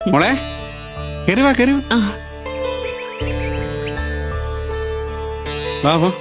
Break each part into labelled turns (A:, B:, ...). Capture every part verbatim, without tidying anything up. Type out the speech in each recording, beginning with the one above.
A: മോളെ കയറി വാ കയറി
B: ആ
A: വാ വാ.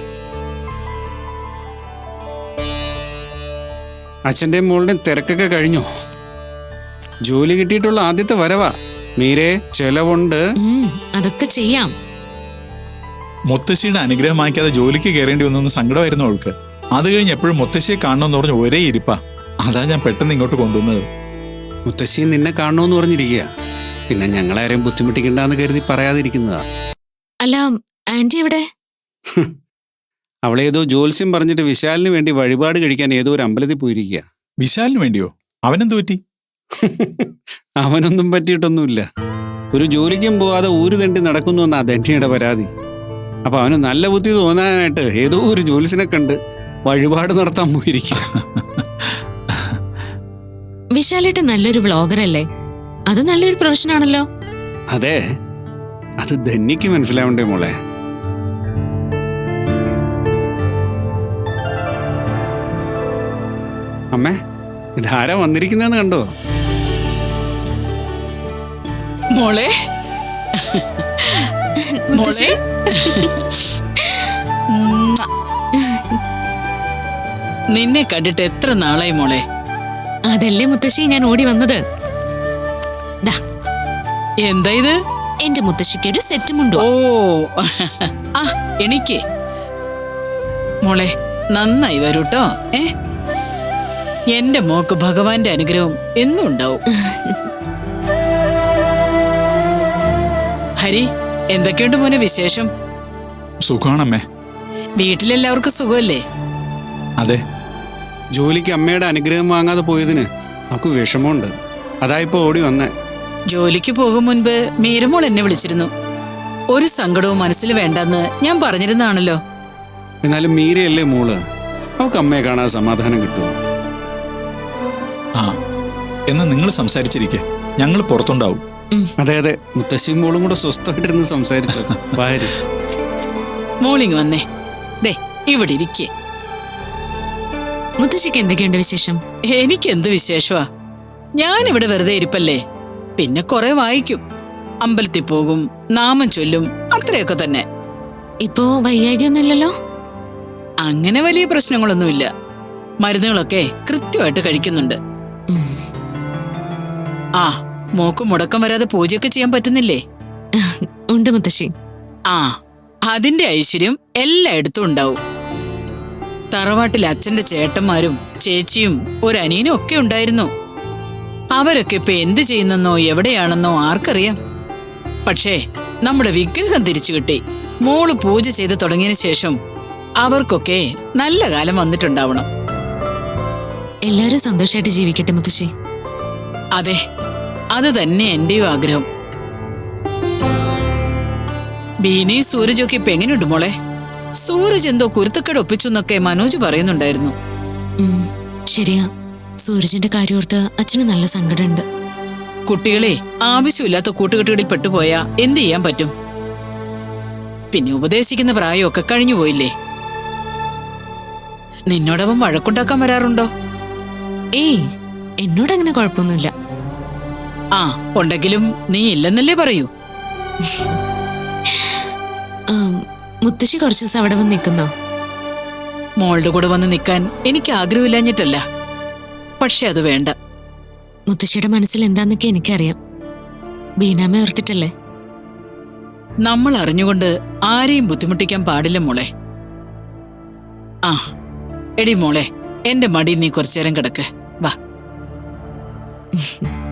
A: അച്ഛൻ്റെയും മോളുടെയും തിരക്കൊക്കെ കഴിഞ്ഞോ? ജോലി കിട്ടിയിട്ടുള്ള ആദ്യത്തെ വരവാ. മീരെ ചെലവുണ്ട്.
B: ഉം, അതൊക്കെ ചെയ്യാം.
C: മുത്തശ്ശിയുടെ അനുഗ്രഹം വാങ്ങിക്കാതെ ജോലിക്ക് കയറേണ്ടി വന്നൊന്ന് സങ്കടമായിരുന്നു അവൾക്ക്. അത് കഴിഞ്ഞ് എപ്പോഴും മുത്തശ്ശിയെ കാണണമെന്ന് പറഞ്ഞ് ഒരേ ഇരിപ്പാ. അതാ ഞാൻ പെട്ടെന്ന് ഇങ്ങോട്ട് കൊണ്ടുവന്നത്.
A: മുത്തശ്ശി നിന്നെ കാണണമെന്ന് പറഞ്ഞിരിക്കുക. പിന്നെ ഞങ്ങളാരെയും ബുദ്ധിമുട്ടിക്കണ്ടെന്ന് കരുതി പറയാതിരിക്കുന്നതാ.
B: അല്ല, ആന്റി എവിടെ?
A: അവളേതോ ജോത്സ്യം പറഞ്ഞിട്ട് വിശാലിന് വേണ്ടി വഴിപാട് കഴിക്കാൻ ഏതോ ഒരു അമ്പലത്തിൽ പോയിരിക്കുക.
C: വിശാലിന് വേണ്ടിയോ? അവനെന്ത് പറ്റി?
A: അവനൊന്നും പറ്റിയിട്ടൊന്നുമില്ല. ഒരു ജോലിക്കും പോവാതെ ഊര് തണ്ടി നടക്കുന്നു എന്നാ ധന്യയുടെ പരാതി. അപ്പൊ അവന് നല്ല ബുദ്ധി തോന്നാനായിട്ട് ഏതോ ഒരു ജോലിസിനെ കണ്ട് വഴിപാട് നടത്താൻ പോയിരിക്കുക.
B: വിശാലേട്ട് നല്ലൊരു വ്ളോഗർ അല്ലേ? അത് നല്ലൊരു പ്രൊഫഷൻ ആണല്ലോ.
A: അതെ, അത് ധന്യക്ക് മനസ്സിലാവണ്ടേ മോളെ. അമ്മേ, ഇതാരാ വന്നിരിക്കുന്നതെന്ന് കണ്ടോ?
D: മോളെ മോളെ നിന്നെ കണ്ടിട്ട് എത്ര നാളായി മോളെ.
B: അതല്ലേ മുത്തശ്ശി ഞാൻ ഓടി വന്നത്. ദാ,
D: എന്താ ഇത്?
B: എന്റെ മുത്തശ്ശിക്ക് ഒരു സെറ്റ് മുണ്ടോ.
D: ഓ ആ എനിക്ക് മോളെ നന്നായി വരൂട്ടോ. ഏ എന്റെ മോക്ക് ഭഗവാന്റെ അനുഗ്രഹം എന്നും ഉണ്ടാവും. ഹരി, എന്തൊക്കെയുണ്ട് മോനെ വിശേഷം?
C: സുഖമാണമ്മേ.
D: വീട്ടിലെല്ലാവർക്കും സുഖമല്ലേ?
C: അതെ.
A: ജോലിക്ക് അമ്മയുടെ അനുഗ്രഹം വാങ്ങാതെ പോയതിന് നമുക്ക് വിഷമമുണ്ട്. അതായിപ്പോ ഓടി വന്നേ.
D: ജോലിക്ക് പോകും മുൻപ് മീരമോൾ എന്നെ വിളിച്ചിരുന്നു. ഒരു സങ്കടവും മനസ്സിൽ വേണ്ടെന്ന് ഞാൻ പറഞ്ഞിരുന്നാണല്ലോ.
A: എന്നാലും മീരയല്ലേ മോള്, അവൾക്ക് അമ്മയെ കാണാൻ സമാധാനം കിട്ടുമോ?
C: ആ, എന്നാ നിങ്ങൾ സംസാരിച്ചിരിക്കെ, ഞങ്ങൾ പുറത്തുണ്ടാവും.
A: അതെ അതെ, മുത്തശ്ശിയും മോളും കൂടെ സ്വസ്ഥമായിട്ടിരുന്ന് സംസാരിച്ചു. വാരി
D: മോളിങ് വന്നേ. ദേ ഇവിടെ ഇരിക്കേ.
B: മുത്തശ്ശിക്ക് എന്തൊക്കെയുണ്ട് വിശേഷം?
D: എനിക്കെന്ത് വിശേഷമാ, ഞാനിവിടെ വെറുതെ ഇരിപ്പല്ലേ. പിന്നെ കുറെ വായിക്കും, അമ്പലത്തിൽ പോകും, നാമം ചൊല്ലും, അത്രയൊക്കെ തന്നെ.
B: ഇപ്പോ വയ്യായികയൊന്നുമില്ലല്ലോ?
D: അങ്ങനെ വലിയ പ്രശ്നങ്ങളൊന്നുമില്ല. മരുന്നുകളൊക്കെ കൃത്യമായിട്ട് കഴിക്കുന്നുണ്ട്. ആ, മോക്ക് മുടക്കം വരാതെ പൂജയൊക്കെ ചെയ്യാൻ പറ്റുന്നില്ലേ?
B: ഉണ്ട് മുത്തശ്ശി.
D: ആ, അതിന്റെ ഐശ്വര്യം എല്ലായിടത്തും ഉണ്ടാവും. തറവാട്ടിൽ അച്ഛന്റെ ചേട്ടന്മാരും ചേച്ചിയും ഒരനിയനും ഒക്കെ ഉണ്ടായിരുന്നു. അവരൊക്കെ ഇപ്പൊ എന്ത് ചെയ്യുന്നെന്നോ എവിടെയാണെന്നോ ആർക്കറിയാം. പക്ഷേ നമ്മുടെ വിഗ്രഹം തിരിച്ചു കിട്ടി. മോള് പൂജ ചെയ്ത് തുടങ്ങിയതിനു ശേഷം അവർക്കൊക്കെ നല്ല കാലം വന്നിട്ടുണ്ടാവണം.
B: എല്ലാരും സന്തോഷമായിട്ട് ജീവിക്കട്ടെ മുത്തശ്ശി.
D: അതെ, അത് തന്നെ എന്റെയും ആഗ്രഹം. ബീനി സൂരജൊക്കെ ഇപ്പൊ എങ്ങനെയുണ്ട് മോളെ? സൂരജ് എന്തോ കുരുത്തക്കേട് ഒപ്പിച്ചു എന്നൊക്കെ മനോജ് പറയുന്നുണ്ടായിരുന്നു.
B: ഉം, ശരിയാ. സൂരജിന്റെ കാര്യോർത്ത് അച്ഛന് നല്ല സങ്കടമുണ്ട്.
D: കുട്ടികളെ ആവശ്യമില്ലാത്ത കൂട്ടുകെട്ടുകളിൽ പെട്ടുപോയാ എന്ത് ചെയ്യാൻ പറ്റും? പിന്നെ ഉപദേശിക്കുന്ന പ്രായമൊക്കെ കഴിഞ്ഞു പോയില്ലേ. നിന്നോടവൻ വഴക്കുണ്ടാക്കാൻ വരാറുണ്ടോ?
B: ഏയ്, എന്നോടങ്ങനെ കുഴപ്പമൊന്നുമില്ല.
D: ആ, ഉണ്ടെങ്കിലും നീ ഇല്ലെന്നല്ലേ പറയൂ.
B: മുത്തശ്ശി കുറച്ചു ദിവസം അവിടെ വന്ന് നിൽക്കുന്നോ?
D: മോളുടെ കൂടെ വന്ന് നിൽക്കാൻ എനിക്ക് ആഗ്രഹമില്ലാഞ്ഞിട്ടല്ല, പക്ഷെ അത് വേണ്ട.
B: മുത്തശ്ശിയുടെ മനസ്സിൽ എന്താന്നൊക്കെ എനിക്കറിയാം. ബീനാമ ഓർത്തിട്ടല്ലേ.
D: നമ്മൾ അറിഞ്ഞുകൊണ്ട് ആരെയും ബുദ്ധിമുട്ടിക്കാൻ പാടില്ല മോളെ. ആ എടി മോളെ, എന്റെ മടി നീ കുറച്ചേരം കിടക്ക്. വാ.